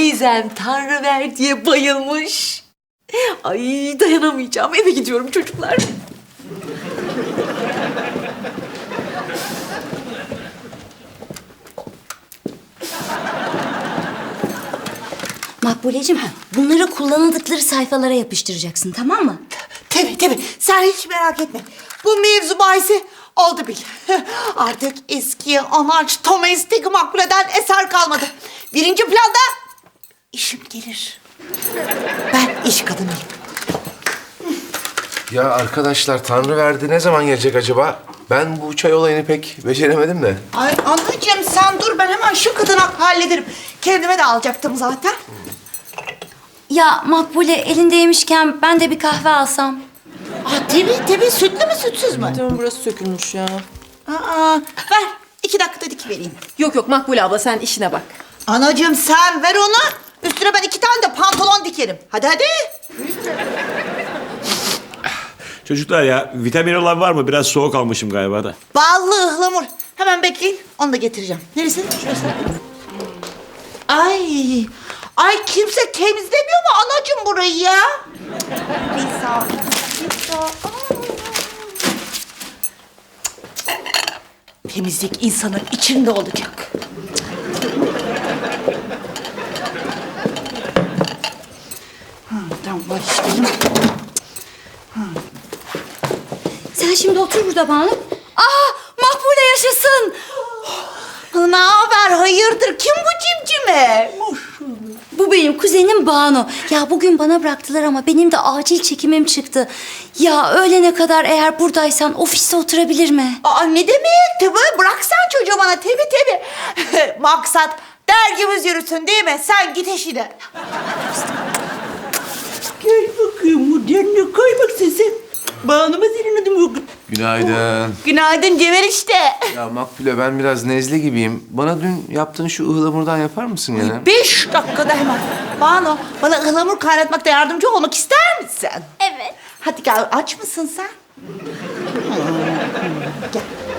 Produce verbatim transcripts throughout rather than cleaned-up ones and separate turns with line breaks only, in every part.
teyzem Tanrı ver diye bayılmış. Ay dayanamayacağım. Eve gidiyorum çocuklar.
Makbuleciğim, bunları kullanıldıkları sayfalara yapıştıracaksın, tamam mı?
Tabii tabii. Sen hiç merak etme. Bu mevzu bahsi oldu bil. Artık eski anaç Thomas Makbule'den eser kalmadı. Birinci planda işim gelir. Ben iş kadınıyım.
Ya arkadaşlar Tanrı verdi ne zaman gelecek acaba? Ben bu çay olayını pek beceremedim de.
Ay anacığım sen dur, ben hemen şu kadını hallederim. Kendime de alacaktım zaten.
Ya Makbule, elindeymişken ben de bir kahve alsam.
Aa, tabii tabii, sütlü mü sütsüz mü?
Tamam burası sökülmüş ya.
Aa, ver iki dakikada dikivereyim.
Yok yok Makbule abla sen işine bak.
Anacığım sen ver onu. Üstüne ben iki tane de pantolon dikerim. Hadi hadi.
Çocuklar ya, vitamin olan var mı? Biraz soğuk almışım galiba da.
Ballı ıhlamur. Hemen bekleyin. Onu da getireceğim. Neresi? Şurası. Ay. Ay kimse temizlemiyor mu anacığım burayı ya? Lisa. Lisa. Temizlik insanın içinde olacak. Ha, tamam başlayalım.
Sen şimdi otur burada Banu. Aa, Makbule yaşasın.
Ne haber? Hayırdır? Kim bu cimcime?
Bu benim kuzenim Banu. Ya bugün bana bıraktılar ama benim de acil çekimim çıktı. Ya öğlene kadar eğer buradaysan ofiste oturabilir mi?
Aa, ne demek? Tabii bırak sen çocuğu bana. Tabii tabii. Maksat dergimiz yürüsün değil mi? Sen git işine. Gel bakayım modernle koy bak sesi. Bağlama senin adın yok.
Günaydın.
Günaydın Cemil işte.
Ya Makbule ben biraz nezle gibiyim. Bana dün yaptığın şu ıhlamurdan yapar mısın yine?
Beş dakikada hemen. Banu, bana ıhlamur kaynatmakta yardımcı olmak ister misin?
Evet.
Hadi gel, aç mısın sen? Gel.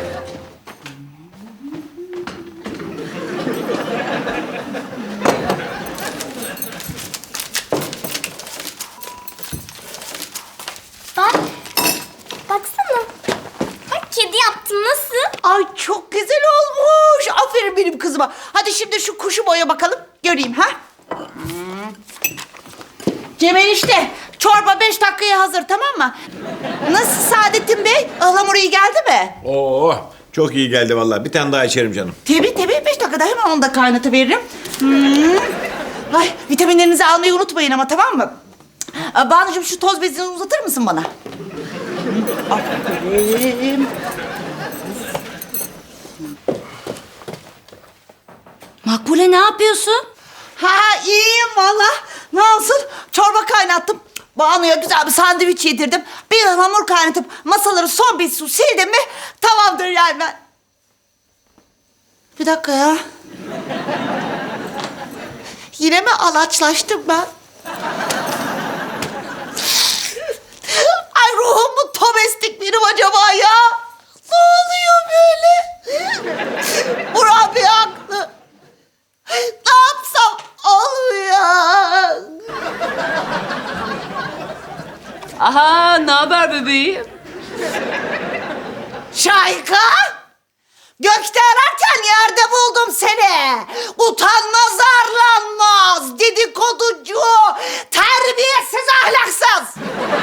Bak. Baksana. Bak kedi yaptım nasıl?
Ay çok güzel olmuş. Aferin benim kızıma. Hadi şimdi şu kuşu boya bakalım. Göreyim ha. Hmm. Cemil işte. Çorba beş dakikaya hazır, tamam mı? Nasıl Saadettin Bey? Ihlamur iyi geldi mi?
Oo, çok iyi geldi vallahi. Bir tane daha içerim canım.
Tabii tabii. Beş dakikada hemen onu da kaynatıveririm. Hmm. Ay vitaminlerinizi almayı unutmayın ama, tamam mı? Aa, Banucuğum şu toz bezini uzatır mısın bana? Aferin.
Makbule ne yapıyorsun?
Ha iyiyim valla. Ne olsun? Çorba kaynattım. Banu'ya güzel bir sandviç yedirdim. Bir hamur kaynatıp masaları son bir su sildim mi tamamdır yani ben. Bir dakika ya. Yine mi alaçlaştım ben? Ay ruhum mu tomestik benim acaba ya? Ne oluyor böyle? Burak bir haklı. Ne yapsam olmuyor.
Aha ne haber bebeğim?
Şahika! Gökte ararken yerde buldum seni. Utanmaz arlanmaz, dedikoducu, terbiyesiz ahlaksız.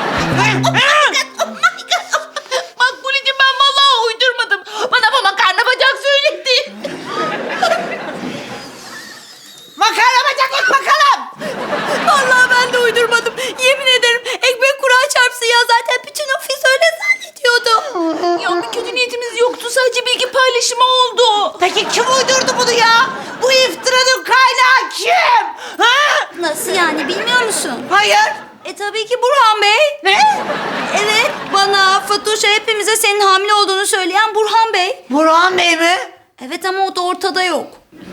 Makbuleciğim ben vallahi uydurmadım. Bana bu makarna bacak söyledi.
Makarna bacaklık bakalım.
Vallahi ben de uydurmadım. Yemin ederim ekmek kura çarpsın ya, zaten bütün ofis öyle zannediyordu.
Ya bir kötü niyetimiz yoktu. Sadece bilgi paylaşımı oldu.
Peki kim uydurdu bunu ya? Bu iftiranın kaynağı kim? Ha?
Nasıl yani, bilmiyor musun?
Hayır.
E tabii ki Burhan Bey.
Ne?
Evet, bana, Fatoş'a, hepimize senin hamile olduğunu söyleyen Burhan Bey.
Burhan Bey mi?
Evet ama o da ortada yok.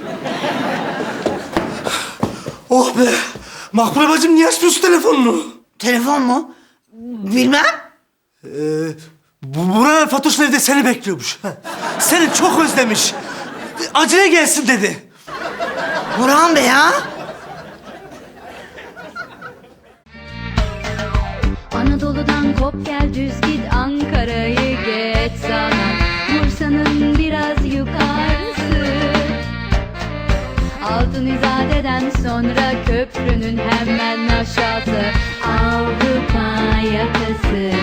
Oh be! Makbule bacım niye açmıyorsun telefonunu?
Telefon mu? Bilmem.
Ee, bu Burhan Fatoş'un evde seni bekliyormuş. Seni çok özlemiş. Acele gelsin dedi.
Burhan Bey ha?
Anadolu'dan kop gel düz git, Ankara'yı geç sağdan, Bursa'nın biraz yukarısı. Altın İzade'den sonra köprünün hemen aşağısı, Avrupa yakası.